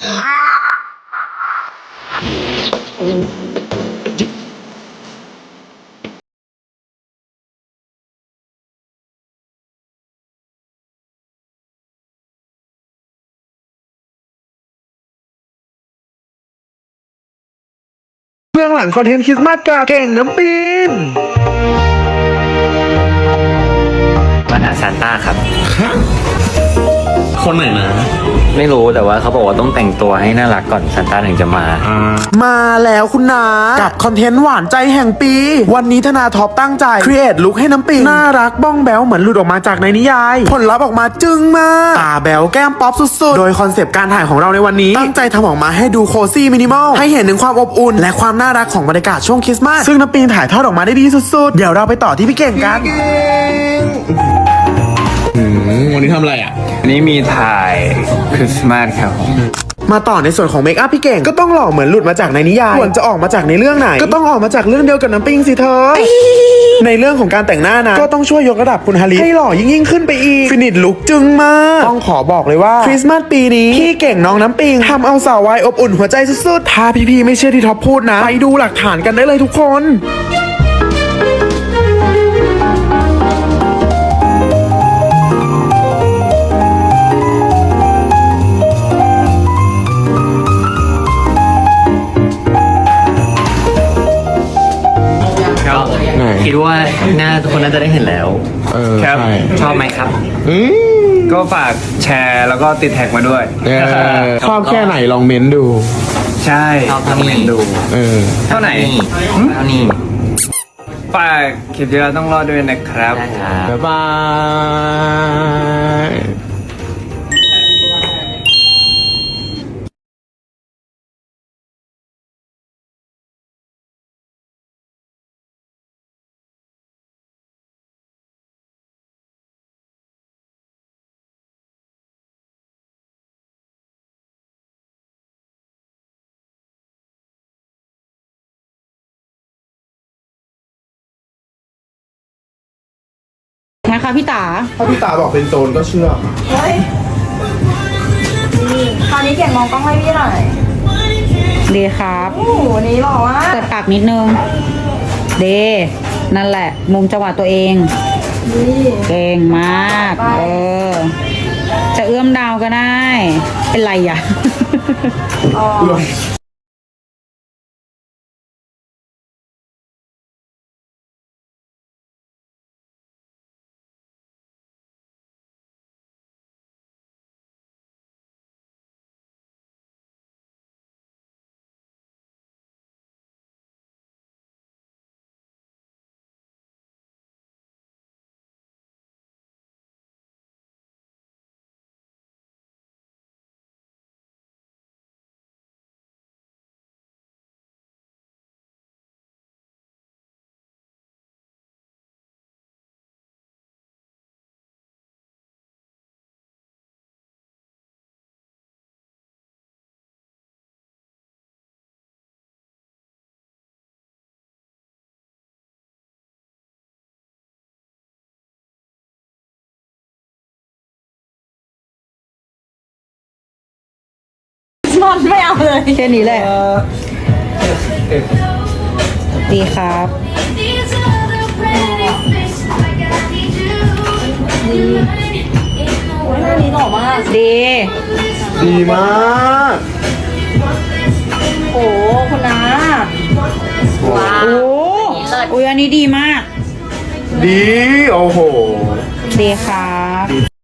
เบื้องหลังคอนเทนต์คริสต์มาสกับเก่งน้ำปิงมาหาซานต้าครับคนไหนนะไม่รู้แต่ว่าเขาบอกว่าต้องแต่งตัวให้น่ารักก่อนซานต้าถึงจะมามาแล้วคุณนากับคอนเทนต์หวานใจแห่งปี วันนี้ธนาท็อปตั้งใจครีเอทลุคให้น้ำปิงน่ารักบ้องแบวเหมือนหลุดออกมาจากในนิยาย ผลลัพธ์ออกมาจึ้งมากตาแบวแก้มป๊อปสุดๆโดยคอนเซปต์การถ่ายของเราในวันนี้ตั้งใจทำออกมาให้ดูโคซี่มินิมอลให้เห็นถึงความอบอุ่นและความน่ารักของบรรยากาศช่วงคริสต์มาสซึ่งน้ำปิงถ่ายทอดออกมาได้ดีสุดๆเดี๋ยวเราไปต่อที่พี่เก่งกันวันนี้ทำอะไรอ่ะอันนี้มีถ่ายคริสต์มาสครับมาต่อในส่วนของเมคอัพพี่เก่งก็ต้องหล่อเหมือนหลุดมาจากในนิยายควรจะออกมาจากในเรื่องไหนก็ต้องออกมาจากเรื่องเดียวกับน้ำปิงสิเธอ ในเรื่องของการแต่งหน้านะก็ต้องช่วยยกระดับคุณฮาริให้หล่อยิ่งขึ้นไปอีกฟินิชลุคจึงมากต้องขอบอกเลยว่าคริสต์มาสปีนี้พี่เก่งน้องน้ำปิงทำเอาสาววายอบอุ่นหัวใจสุดๆถ้าพี่ๆไม่เชื่อที่ท็อปพูดนะไปดูหลักฐานกันได้เลยทุกคนคิดว่าหน้าทุกคนน่าจะได้เห็นแล้วครับใช่ชอบไหมครับ ก็ฝากแชร์แล้วก็ติดแท็กมาด้วยชอบแค่ไหนลองเม้นดูใช่ชอบเท่านี้ดู เท่าไหนเท่านี้ฝากคลิปที่เราต้องรอดด้วยนะครับบ๊ายบายนะคะพี่ตาถ้าพี่ตาบอกเป็นโจรก็เชื่อเฮ้ยนี่คราวนี้เก่งมองกล้องให้พี่หน่อยดีครับโอ้โหวันนี้หล่อมากเปิดปากนิดนึงเดนั่นแหละ มุมจังหวะตัวเองนี่เก่งมากจะเอื้อมดาวก็ได้ เป็นไรอ่ะอ๋อมอนไม่เอาเลยแค่นี้แหละ ดีครับโอ้ยหน้านี้หล่อมากดีดีมากโอ้คุณน้าว้าโอ้วอุ้ยอันนี้ดีมากดีโอ้โหดีครับ